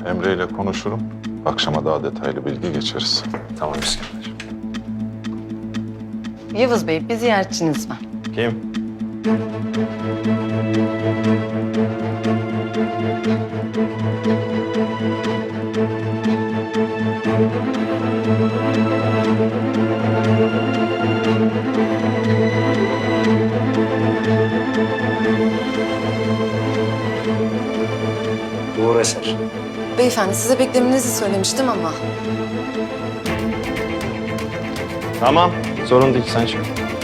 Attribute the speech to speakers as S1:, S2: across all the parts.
S1: Emre ile konuşurum. Akşama daha detaylı bilgi geçeriz.
S2: Tamam İskender.
S3: Yavuz Bey, bir ziyaretçiniz var.
S2: Kim?
S4: Uğur Eser.
S3: Beyefendi, size beklemenizi söylemiştim ama.
S2: Tamam. Sorun değil. Sen çık.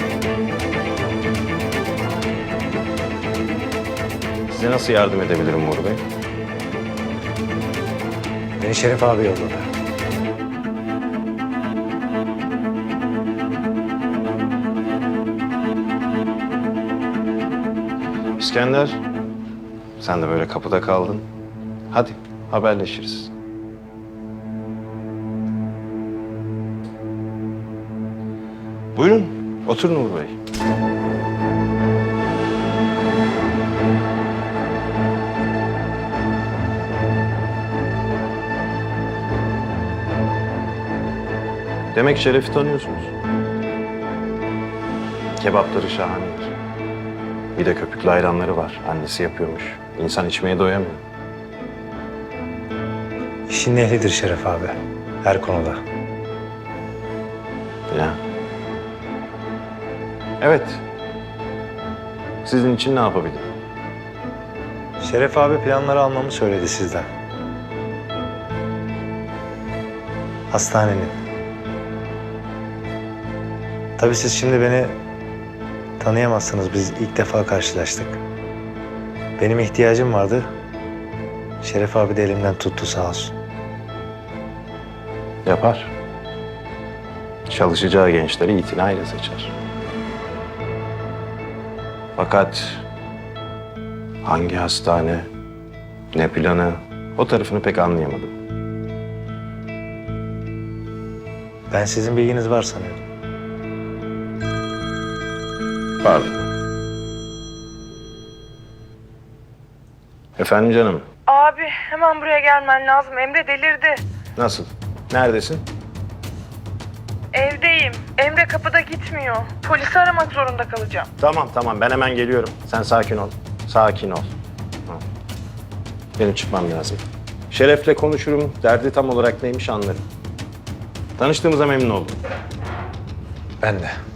S2: Size nasıl yardım edebilirim Uğur Bey?
S4: Beni Şerif abi yolladı.
S2: İskender, sen de böyle kapıda kaldın. Hadi haberleşiriz. Buyurun, oturun Uğur Bey. Demek Şeref'i tanıyorsunuz. Kebapları şahanedir. Bir de köpüklü ayranları var. Annesi yapıyormuş. İnsan içmeye doyamıyor.
S4: İşin ehlidir Şeref abi. Her konuda.
S2: Ya. Evet. Sizin için ne yapabilirim?
S4: Şeref abi planları almamı söyledi sizden. Hastanenin. Tabii siz şimdi beni tanıyamazsınız. Biz ilk defa karşılaştık. Benim ihtiyacım vardı. Şeref abi de elimden tuttu sağ olsun.
S2: Yapar. Çalışacağı gençleri itinayla seçer. Fakat hangi hastane, ne planı, o tarafını pek anlayamadım.
S4: Ben sizin bilginiz var sanıyordum.
S2: Pardon. Efendim canım,
S5: Abi hemen buraya gelmen lazım. Emre delirdi.
S2: nasıl? Neredesin?
S5: Evdeyim. Emre kapıda gitmiyor. Polisi aramak zorunda kalacağım.
S2: Tamam, ben hemen geliyorum. Sen sakin ol, sakin ol. Ha. Benim çıkmam lazım. Şeref'le konuşurum, derdi tam olarak neymiş anlarım. Tanıştığımıza memnun oldum.
S4: Ben de.